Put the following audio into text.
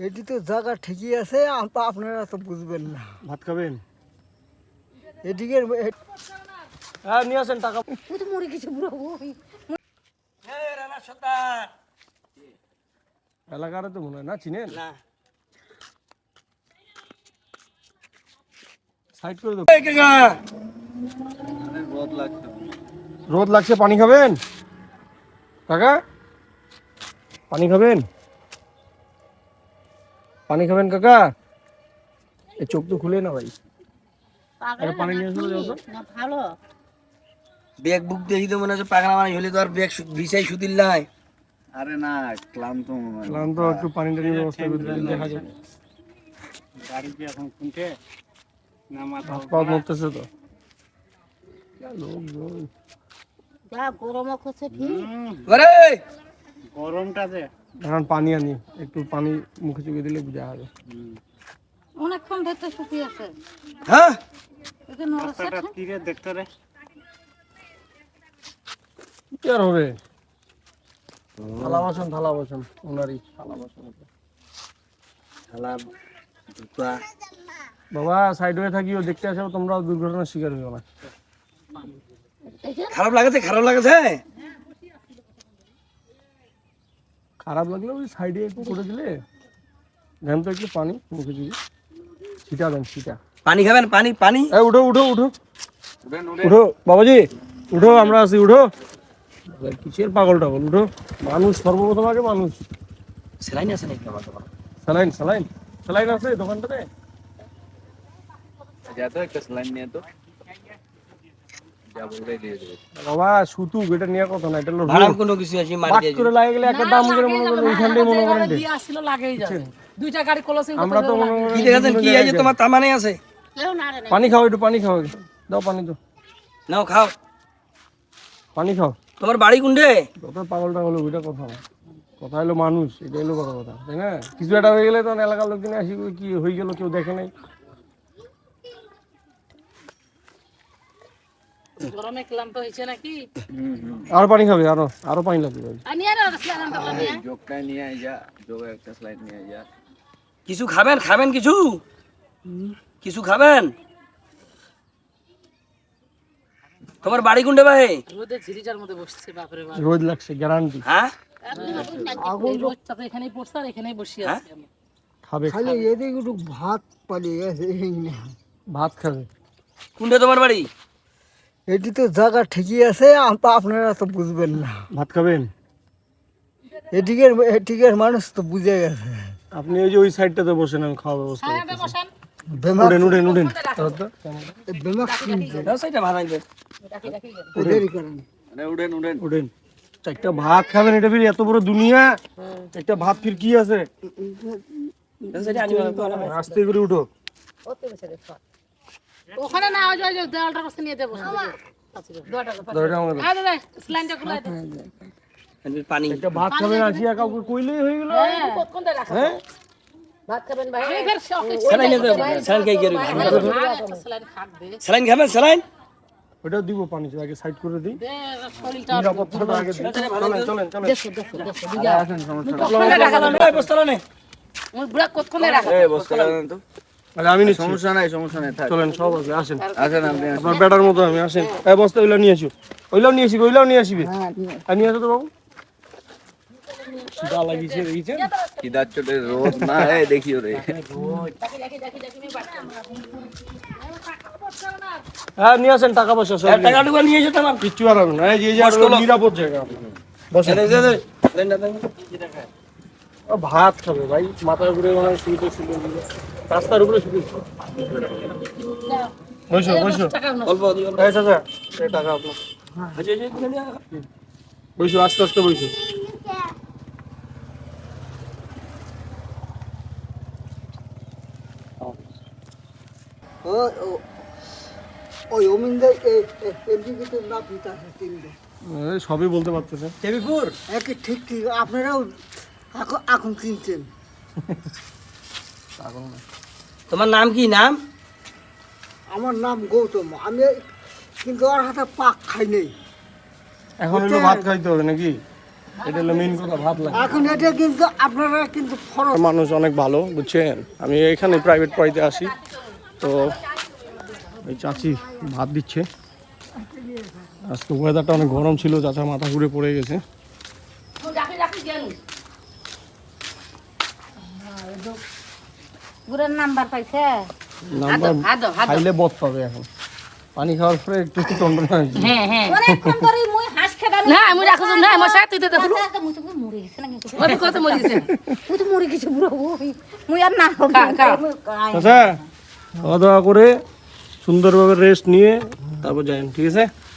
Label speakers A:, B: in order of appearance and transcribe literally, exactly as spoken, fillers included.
A: এটি তো জায়গা ঠিকই আছে, আপ- আপনারা তো বুঝবেন না।
B: ভাত খাবেন?
A: এদিকে
B: হ্যাঁ নিয়ে আসেন টাকা।
C: ও তো মরে গেছে বুড়ো
B: এলাকার তো মনে হয় না, চিনেন? সাইড করে দাও। রোদ লাগছে, পানি খাবেন কাকা? পানি খাবেন? পানি খাবেন কাকা? এই চোখ তো খুলে না ভাই। আরে পানি নিয়ে এসো যাও তো।
C: না ভালো
D: ব্যাগ বুক দেখি তো মনে হচ্ছে পাগলা মানে হলে তো আর ব্যাগ ভিসাই সুদিল নাই।
E: আরে না, ক্লান্ত মনে হয়।
B: ক্লান্ত, একটু পানি টানির ব্যবস্থা করে দিন, দেখা যায়।
E: গাড়ি কি এখন শুনছে না? মাথা
B: হাত পা মরতেছে তো। লোকজন
C: যা গরম করছে ঠিক
D: ওরে
E: গরমটা যে
B: এখন পানি আনি, একটু পানি মুখে চুকে দিলে বোঝা হবে।
C: অনেকক্ষণ ভেতরে শুকিয়ে আছে
D: হ্যাঁ
C: একে নড়ছে
E: রাস্তাটা তীরে দেখতে রে।
B: কি আর হবে? থালা বাসন, থালা বাসন ওনারই থালা বাসন।
D: শালা দুটা
B: বাবা সাইড হয়ে থাকিও, দেখতে আসো, তোমরাও দুর্ঘটনার শিকার হইও না।
D: খারাপ লাগাছে, খারাপ লাগাছে।
B: খারাপ লাগলে ওই সাইডে একটু করে দিলে, দেন তো একটু পানি মুখে চুকে, ছিটা দেন, ছিটা।
D: পানি খাবেন? পানি পানি
B: এই উঠো উঠো উঠো উঠো বাবাজি, উঠো, আমরা আছি, উঠো। কিসের পাগল টাগল, উঠো। মানুষ সর্বপ্রথম আগে মানুষ।
D: সেলাইন আছে নাকি আমার তোমার?
B: স্যালাইন স্যালাইন স্যালাইন আছে দোকানটাতে?
E: যা তো একটা স্যালাইন নিয়ে তো যা বলে দিয়ে দেবে।
B: বাবা সুতু এটা নিয়ে কথা না, এটা হলো
D: ভাড়াম
B: রোড।
D: কোনো কিছু আছে মারি
B: বাট
D: দিয়ে
B: করে লাগে গেলে একটা দাম করে মনে করেন ওইখানটাই মনে করেন দে।
F: আসছিল লাগেই যাবে দুইটা গাড়ি ক্লোজিং
B: আমরা তো মনে করেন
D: কি দেখাচ্ছেন? কি আছে তোমার তামানে আছে?
C: কেউ না রে না
B: পানি খাও, একটু পানি খাও, দাও পানি দাও,
D: নাও খাও।
B: পানি খাও।
D: তোমার বাড়ি কোনটে?
B: যত পাগল টাগল ওইটা কথা না, কথা হলো মানুষ, এটা হলো বড় কথা, তাই না? কিছু একটা হয়ে গেলে তখন এলাকার লোকজন আসি বলে, কি হয়ে গেল, কেউ দেখে নাই।
F: গরমে ক্লান্ত হয়েছে নাকি
B: আরো পানি খাবে? আরো আরো পানি লাগবে।
F: আনি আর আসলাম তাহলে
E: জোকটাই নিয়ে আয় যা, জোগে একটা স্যালাইন নিয়ে আয় যা।
D: কিছু খাবেন? খাবেন কিছু? কিছু খাবেন? তোমার বাড়ি কোনটে ভাই?
F: রোদে ঝিরিটার মধ্যে বসছে বাপরে বাপ
B: রোদ লাগছে গ্যারান্টি।
D: হ্যাঁ
F: এই রোদটা তো এখানেই পড়ছে আর এখানেই বসে আছি আমি
B: খাবে,
A: খালি এদিকে একটু ভাত পালিয়ে গেছে, এই না।
B: ভাত খাবে।
D: কোনটে তোমার বাড়ি?
A: এটি তো জায়গা ঠিকই আছে, আপ- আপনারা তো বুঝবেন না।
B: ভাত খাবেন?
A: এদিকে এদিকে মানুষ তো বুঝে গেছে।
B: আপনি ওই যে ওই সাইডটাতে বসেন, আমি খাওয়ার ব্যবস্থা
F: হ্যাঁ
B: করতেছি।
F: বসেন
A: বেমাক
B: উঠেন উঠেন উঠেন।
A: বেমাক কিনছে,
D: দাও সেইটা ভাড়াই দে।
A: দেরি করেন।
E: আরে উঠেন উঠেন।
B: উঠেন। একটা ভাত খাবেন, এটা ফির এত বড় দুনিয়া, একটা ভাত ফির কি আছে?
D: দাও সেইটা আনি ভালো করে।
B: আস্তে করে উঠো।
F: ওখানে না ওই যে ওই যে দেওয়ালটার কাছে নিয়ে দেবো
B: দরজা আমাকে দাও।
F: আয় দাদা স্লাইনটা খুলে দে
D: আনবি পানি।
B: একটা ভাত খাবেন আসিয়া কাউকে কইলেই হয়ে গেল।
F: কতক্ষণ ধরে রাখা
B: হ্যাঁ
F: ভাত খাবেন ভাই এই ফের শখে
D: স্যালাইন দে। স্যালাইন খাই গেরি।
F: স্লাইন খাক দে
D: স্যালাইন খাবেন? স্যালাইন
B: ওটা দিব পানি, আগে সাইড করে দিই।
F: দে শরীরটা
B: নিরাপত্তাটা আগে দিই। চলেন চলেন চলেন।
F: দেখো দেখো দেখো দিগা
D: কতক্ষণে রাখা দাও? এই বস্তাটা নে।
F: মোর বুড়া কতক্ষণে রাখা
E: এই বস্তা লাগান তো।
B: আরে আমি নিচ্ছি।
E: সমস্যা নাই, সমস্যা নাই, থাক।
B: চলেন সব আছে, আসেন।
E: আসেন আপনি আসেন।
B: আপনার বেটার মতো আমি, আসেন। এই বস্তা ওইলাও নিয়ে আসিও, ওইলাও নিয়ে আসিবে, ওইলাও নিয়ে আসিবে। আর নিয়ে আসো তো বাবু। খিদা লাগিয়েছে দেখেছেন?
E: খিদার চোটে রোদ না, এই দেখিও রে।
B: হ্যাঁ নিয়ে আসেন, টাকা পয়সা সব নিয়ে
D: টাকা টুকা নিয়ে যেতে আমার।
B: আসেন। কিচ্ছু আর হবে না, এই যে এই যে আর হলো নিরাপদ জায়গা। বসেন।
D: দে দে দে। স্যালাইনটা দে।
B: ও ভাত খাবে ভাই, মাথার উপরে মনে হয় শুয়ে শুয়ে রাস্তার উপরে শুয়ে। বসো বসো।
D: অল্প দিও।
B: এই চাচা, এই টাকা আপনার।
D: আচ্ছা আচ্ছা তুলে নিয়ে আয়।
B: বসো, আস্তে আস্তে বসো।
A: ও ও- ওই অমিনদের এদিকে তো না পিতা আছে তিনটে,
B: এই সবই বলতে পারতেছেন।
D: দেবীপুর।
A: একে ঠিক ঠিক আপনারাও এখন এখন কিনছেন।
D: তোমার নাম কি নাম?
A: আমার নাম গৌতম, আমি কিন্তু ওর হাতে পাক খাই নেই।
B: এখন হলো ভাত খাইতে হবে নাকি? এটা হলো মেইন কথা, ভাত লাগে।
A: এখন এটা কিন্তু আপনারা কিন্তু খরচ
B: মানুষ অনেক ভালো, বুঝছেন। আমি এখানে প্রাইভেট পড়াইতে আসি, তো এই চাচি ভাত দিচ্ছে। আজকে ওয়েদারটা অনেক গরম ছিল, চাচা মাথা ঘুরে পড়ে গেছে।
C: গুড়ের নাম্বার পাইছে?
B: নাম্বার
F: হাত দাও, হাত দাও।
B: খাইলে বদ পাবে এখন, পানি খাওয়ার পরে একটু একটু টন্ডন হয়েছে।
F: হ্যাঁ হ্যাঁ
C: অনেকক্ষণ ধরে মুই হাঁস খেদাম।
F: না আমি রাখো না আমার সাথে তুই দেখো
C: মুই তো মরে গেছে না কিন্তু।
F: ওই কত মরে গেছে
C: মুই তো মরে গেছে বুড়ো। মুই আর না
F: খা, খা।
B: আচ্ছা, খাওয়া দাওয়া করে সুন্দরভাবে রেস্ট নিয়ে তারপর যাই, ঠিক আছে?